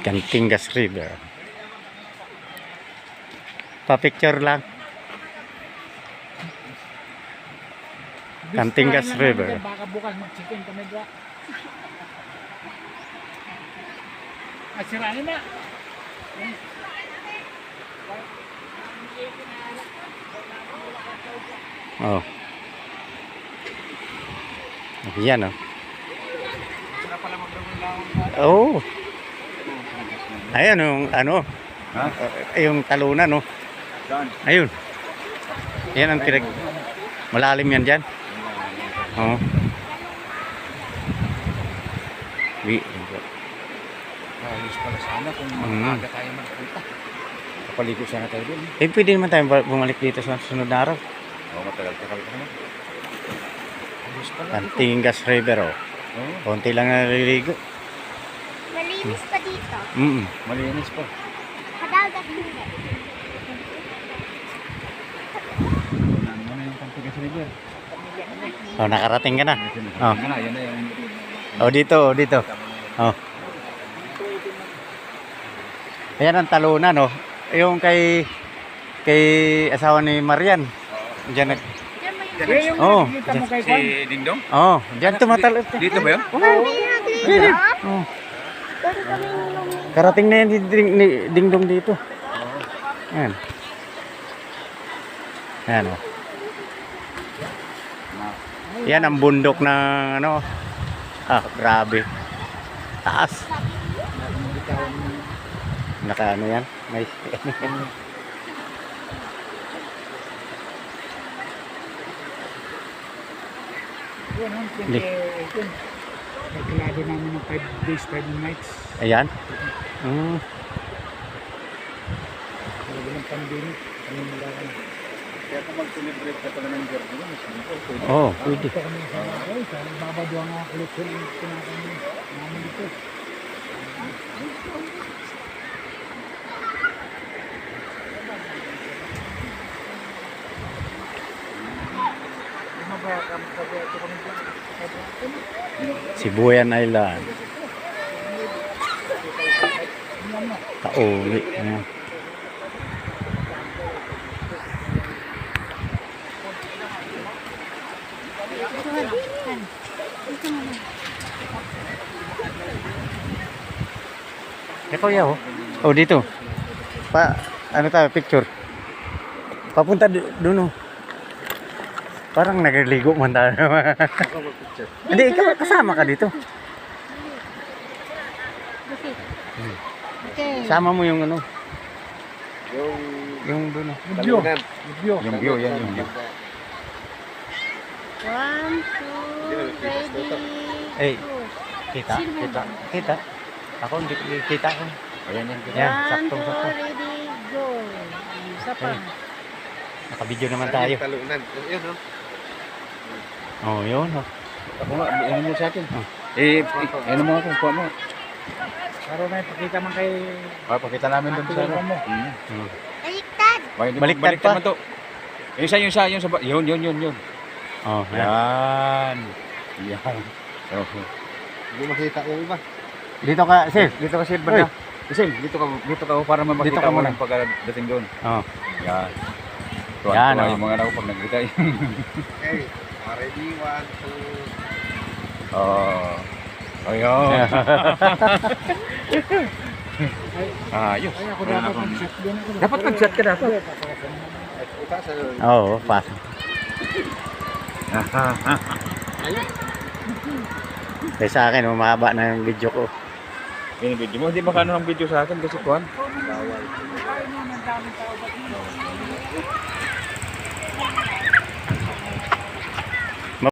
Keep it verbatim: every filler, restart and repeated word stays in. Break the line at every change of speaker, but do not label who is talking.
Cantingas River. Pa-picture lang. Cantingas River.
Baka bukas mag-chicken kami dwa. At siranin na.
Oh. Yan oh. Oh. Ayan yung ano.
Ha?
Yung talunan no. Ayun. Yan ang pinag malalim yan dyan. Oh. Wi.
Ayos pala sana kung
Mm.
maaga tayo magpunta. Kapaligo sana tayo doon.
Eh pwede naman tayo bumalik dito sa sunod na araw.
Oo, matagal-tagal pa naman. Ayos pala dito.
Cantingas River oh.
Oo,
Konti lang naliligo.
Malinis pa dito.
Mm.
malinis pa.
Kadagat hindi.
Ano mo na yung Cantingas River?
Oh, nakarating ka na. Oh.
Yan na, yan na yung...
Oh, dito, oh, dito. Oh. Ayan ang talunan, no. Yung kay kay asawa ni Marian. Diyan nag
Eh, yung
Oh,
nakikita mo kay
Si
Kwan.
Dingdong?
Oh, diyan tumatalo.
Dito ba yun?
Oh. Karating na yan si Ding, ni Dingdong dito. Ayan. Ayan, oh. Yan ang bundok ng ano. Ah, grabe. Taas. Naka ano yan? May
Yun, yun,
Hindi.
yun. Kalkulado namin ng five days, five nights.
Ayan. Mm.
Talaga ng pandemic. Ano yung nalakan?
Kaya kung mag-celebrate ka pala ng Gerdo, mas simple.
Oh, pwede.
Ito kami sa ay, sa babadwa nga collection yung pinakain namin dito.
Sibuyan Island. Kauli. Ayan. Eh, kuya, oh. Oh, dito. Pa, ano tayo, picture. Papunta doon, oh. Parang nagliligo man tayo. Hindi, ikaw kasama ka dito.
Okay.
Sama mo yung ano,
Yung...
yung doon. oh.
Video.
Talunan.
Video.
Yung view, yan yung view.
One, two, ready,
Eh,
go.
kita, kita, kita. Ako hindi kita ko.
Ayan yan.
Yan,
One,
saktong
two,
sakto.
ready, go. Isa pa.
Eh. Nakabidyo naman tayo.
Talunan. Yun, no?
Oh, yun. Oh.
Ako nga, ano mo sa akin?
Oh.
Eh, ano mo ako, kuha mo.
Para may pakita man kay...
Ah, pakita namin doon sa ano.
mo.
Hmm.
Hmm.
Baliktad.
Baliktad,
Baliktad
baliktad
pa.
man to. Yung isa, yung isa, yung sa... ba- Yun, yun, yun, yun.
Oh, yan.
Yan. Yan. Oh. Hindi makita yung iba.
Dito ka, sir.
Dito ka, Sir,
Uy.
banda. Isim, dito ka, dito ka para
Dito
makita
ka
mo
muna.
ng pagdating doon.
Oh.
Yan.
Yan,
Tuwan-tuwa
oh.
yung mga anak ko pag nagkita yun.
Okay, ready, one, two.
Oh. Ayun. Ayos.
Ay, ako
Wala
dapat
akong-
mag-shot din ako.
Dapat mag-shot ka dapat.
Ika sa
Oo, oh, pas. Kaya sa akin, umaba na yung video ko.
Yung video mo, hindi makano ang video sa akin kasi kuhan.
Kain mo ng daming tao ba't mo?